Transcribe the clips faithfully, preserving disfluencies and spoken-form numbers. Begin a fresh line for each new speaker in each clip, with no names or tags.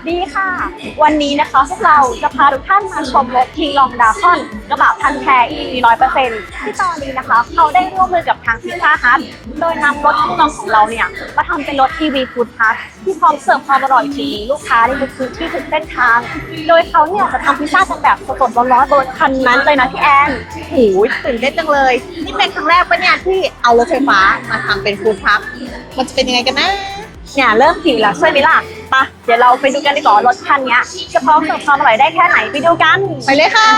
ดีค่ะวันนี้นะคะพวกเราจะพาทุกท่านมาชมรถทีลองดาคอนกระบะพันแท้ อี วี ร้อยเปอร์เซ็นต์ที่ตอนนี้นะคะเขาได้ร่วมมือกับทางพิซซ่าฮัทโดยนำรถทีลองของเราเนี่ยมาทำเป็นรถ อี วี ฟู้ดทรัคที่พร้อมเสิร์ฟความอร่อยถึงลูกค้าในทุกพื้นที่ทุกเส้นทางโดยเขาเนี่ยจะทำพิซซ่ากันแบบสดๆร้อนๆบนคันนั้นเลยนะพี่แอน
โอ้ยตื่นเต้นจังเลยนี่เป็นครั้งแรกปะเนี่ยที่เอารถไฟฟ้ามาทำเป็นฟู้ดทรัคมันจะเป็นยังไงกันนะ
เนี่ยเริ่มหิวแล้วใช่ไหมล่ะปะเดี๋ยวเราไปดูกันดีกว่ารถคันนี้จะพร้อมเสิร์ฟความอร่อยได้แค่ไหนไปดูกัน
ไปเลยค่ะ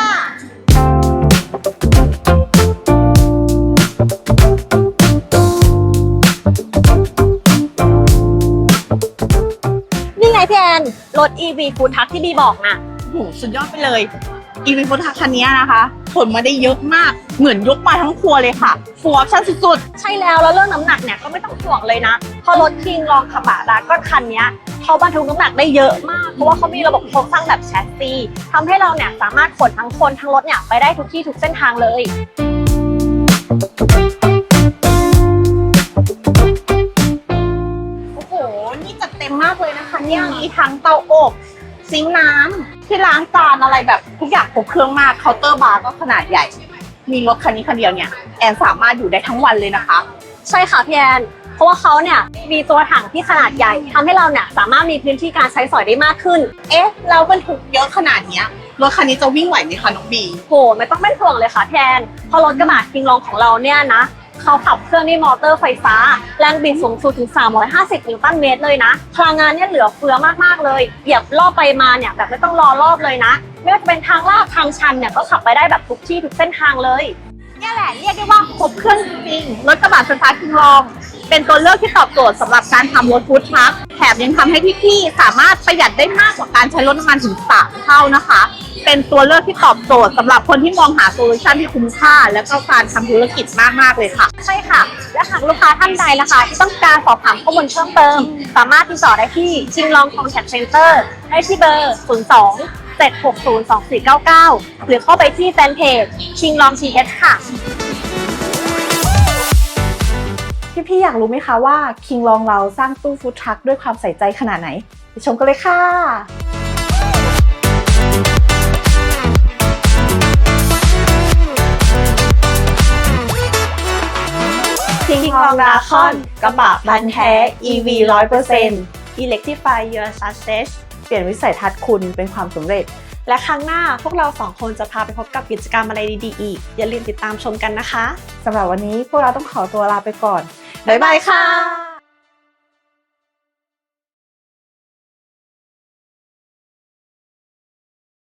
นี่ไงพี่แอนรถ อี วี ฟู้ดทรัคที่บีบอกนะ
โอ้โหสุดยอดไปเลย อี วี ฟู้ดทรัคคันนี้นะคะขนมาได้เยอะมากเหมือนยกมาทั้งครัวเลยค่ะฟูลออปชั่นสุด
ๆใช่แล้วแล้วเรื่องน้ำหนักเนี่ยก็ไม่ต้องห่วงเลยนะพอรถคิงลองขับะดาก็คันนี้เขาบรรทุกน้ำหนักได้เยอะมากเพราะว่าเขามีระบบโครงสร้างแบบแชสซีทำให้เราเนี่ยสามารถขนทั้งคนทั้งรถเนี่ยไปได้ทุกที่ทุกเส้นทางเลย
โอ้โหนี่จัดเต็มมากเลยนะคะเนี่ยมีทั้งเตาอบซิงค์น้ำที่ล้างจานอะไรแบบทุกอย่างครบเครื่องมากเคาน์เตอร์บาร์ก็ขนาดใหญ่มีรถคันนี้คันเดียวเนี่ยแอนสามารถอยู่ได้ทั้งวันเลยนะคะ
ใช่ค่ะพี่แอนเพราะว่าเขาเนี่ยมีตัวถังที่ขนาดใหญ่ทำให้เราเนี่ยสามารถมีพื้นที่การใช้สอยได้มากขึ้น
เอ๊ะเราบรรทุกเยอะขนาดเนี้ยรถคันนี้จะวิ่งไหวไหมคะน้องบี
โหไม่ต้องเป็นห่วงเลยค่ะพี่แอนเพราะรถกระบะคิงลองของเราเนี่ยนะเขาขับเครื่องด้วยมอเตอร์ไฟฟ้าแรงบิดสูงสุดถึงสามร้อยห้าสิบนิวตันเมตรเลยนะพลังงานเนี่ยเหลือเฟือมากๆเลยเหยียบรอบไปมาเนี่ยแบบไม่ต้องรอรอบเลยนะไม่ว่าจะเป็นทางลาดทางชันเนี่ยก็ขับไปได้แบบทุกที่ทุกเส้นทางเลย
นี่แหละเรียกได้ว่าครบเครื่องจริงๆรถกระบะไฟฟ้าคิงลองเป็นตัวเลือกที่ตอบโจทย์สำหรับการทำรถฟู้ดทรัคแถมยังทำให้พี่ๆสามารถประหยัดได้มากกว่าการใช้รถน้ำมันถึงสามเท่านะคะเป็นตัวเลือกที่ตอบโจทย์สำหรับคนที่มองหาโซลูชันที่คุ้มค่าและก็การทำธุรกิจมากๆเลยค่ะ
ใช่ค่ะและหากลูกค้าท่านใดนะคะที่ต้องการสอบถามข้อมูลเพิ่มเติมสามารถติดต่อได้ที่คิงลองคอนแทคเซ็นเตอร์ได้ที่เบอร์ศูนย์ สอง เจ็ด หก ศูนย์ สอง สี่ เก้า เก้าหรือเข้าไปที่แฟนเพจคิงลองทีเอสค่ะ
พี่ๆอยากรู้ไหมคะว่าคิงลองเราสร้างตู้ฟู้ดทรัคด้วยความใส่ใจขนาดไหนไปชมกันเลยค่ะคิงลองดาคอนกระบะพันแท้ อี วี ร้อยเปอร์เซ็นต์
Electrify your success
เปลี่ยนวิสัยทัศน์คุณเป็นความสำเร็จ
และครั้งหน้าพวกเราสองคนจะพาไปพบกับกิจกรรมอะไรดีๆอีกอย่าลืมติดตามชมกันนะคะ
สำหรับวันนี้พวกเราต้องขอตัวลาไปก่อนบ๊ายบายค่ะ